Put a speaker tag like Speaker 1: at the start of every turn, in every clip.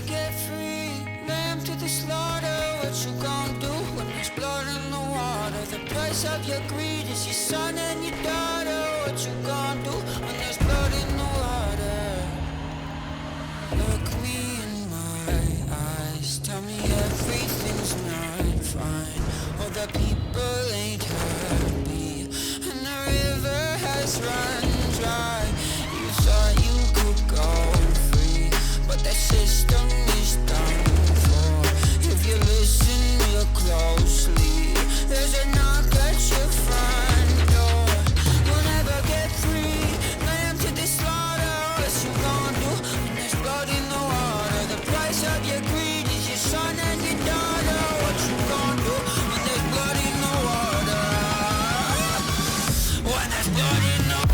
Speaker 1: get free, lamb to the slaughter. What you gon' do when there's blood in the water? The price of your greed is your son and your daughter. What you gon' do when there's blood in the water? Look me in my eyes, tell me everything's not fine. All the people ain't happy, and the river has run dry. You thought you could go free, but the system is done for. If you listen real closely, there's a knock at your front door. You'll never get free, lamb to the slaughter. What you gon' do when there's blood in the water? The price of your greed is your son and your daughter. What you gon' do when there's blood in the water? When there's blood in the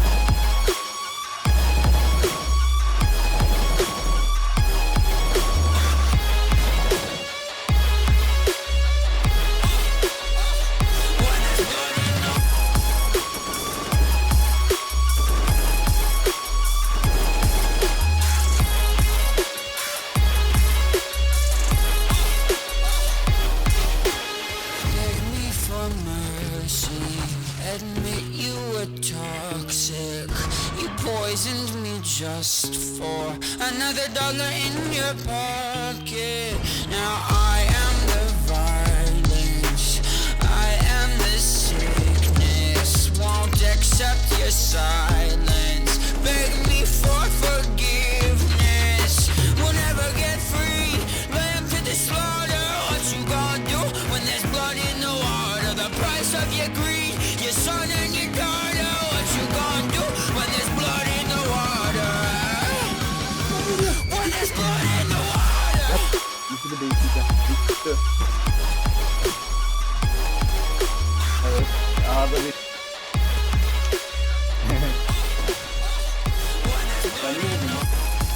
Speaker 1: beg me for mercy, admit you were toxic. You poisoned me just for another dollar in your pocket. Now I am the violence, I am the sickness. Won't accept your silence, beg me for forgiveness. We'll never get free, lamb to the slaughter. What you gonna do when there's blood in the water? The price of your greed, your son and your daughter. What you gonna do when there's blood in the water? When there's blood in the water.
Speaker 2: Yüzünü değiştireceğim. Çıktı. Evet. Ağda bir. Ben ne yedim lan?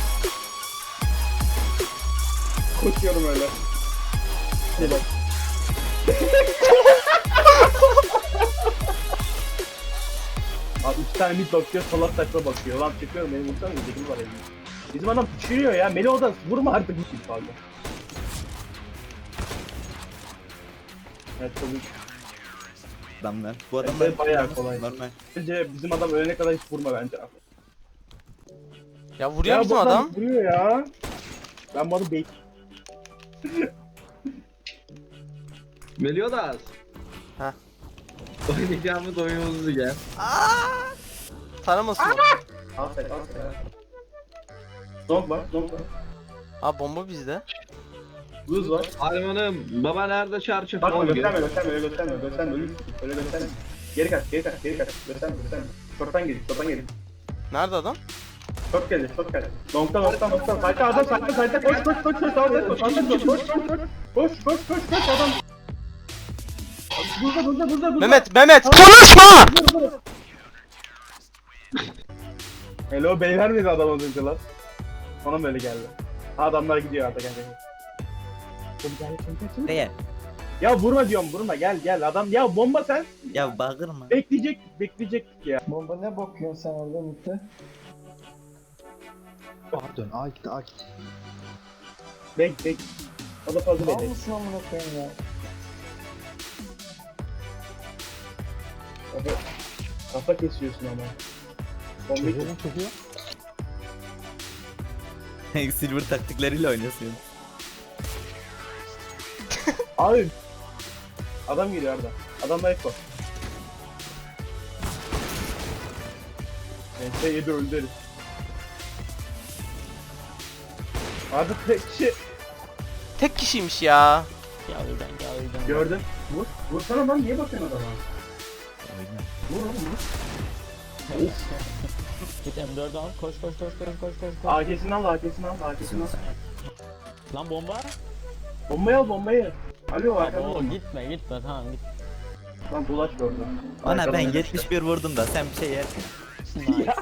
Speaker 2: Koşuyorum öyle. Hadi bak. Abi 3 tane mid bakıyor, sola saçma bakıyor. Lan çıkıyorum, benim vursana dedim var elimde. Bizim adam uçuyor ya, Meli oda vurma artık. Pardon. Evet tabii.
Speaker 3: Adamlar. Bu adamlar
Speaker 2: Evet, bayağı kolay.
Speaker 3: normal.
Speaker 2: Bence bizim adam ölene kadar hiç vurma bence.
Speaker 4: Ya vuruyor
Speaker 2: Ya
Speaker 4: bizim
Speaker 2: bu
Speaker 4: adam.
Speaker 2: vuruyor ya. Ben bunu bek.
Speaker 5: Meliodas.
Speaker 4: Heh.
Speaker 5: Oynayacağımız oyunumuzu gel.
Speaker 4: Taramasın.
Speaker 2: Aferin aferin. Zonk var, zonk var.
Speaker 4: Ha bomba bizde.
Speaker 2: Buz var.
Speaker 5: Harmanım, baba nerede çarşı
Speaker 2: Bakma
Speaker 5: falan
Speaker 2: gösterme, gösterme, öyle gösterme, gösterme, öyle gösterme. Geri kaç, geri kaç, geri kaç. Gösterme, gösterme. Şorttan gelin, şorttan gelin.
Speaker 4: Nerede adam?
Speaker 2: Şort geldi, şort geldi. Nokta. Sayta adam, sayta. Koş, sağda koş. Koş, adam. Burada.
Speaker 4: Mehmet konuşma!
Speaker 2: Hello beyler miydi adam az önce lan? Bana mı öyle geldi? Adamlar gidiyor artık gel.
Speaker 3: Değer.
Speaker 2: Ya vurma diyorum vurma gel adam ya bomba sen
Speaker 3: Ya bağırma.
Speaker 2: bekleyecek ya.
Speaker 6: Bomba ne bakıyorsun sen orada Mutlu?
Speaker 7: Pardon, A git.
Speaker 2: Bek. O da fazla
Speaker 6: Mal
Speaker 2: bekle.
Speaker 6: mısın amına koyayım ya?
Speaker 2: Kafa kesiyorsun ama. Bombayı
Speaker 7: Çözüyor.
Speaker 3: Silver taktikleriyle oynuyorsun.
Speaker 2: Abi. Adam geliyor Arda. Adam da Eko. Neyse 7 öldü herif. Arda
Speaker 4: Tek kişiymiş ya.
Speaker 2: gördün. Vursana lan niye bakıyorsun adama? Vur oğlum vur.
Speaker 8: Git M4'ü al. Koş.
Speaker 2: AK'sini al.
Speaker 8: Lan bomba.
Speaker 2: Bombayı. Alo arkadaşlar.
Speaker 8: Oo gitme tamam git.
Speaker 2: Lan dolaş gördüm.
Speaker 3: Ana ben 71 vurdum da sen bir şey yer.
Speaker 8: Nice.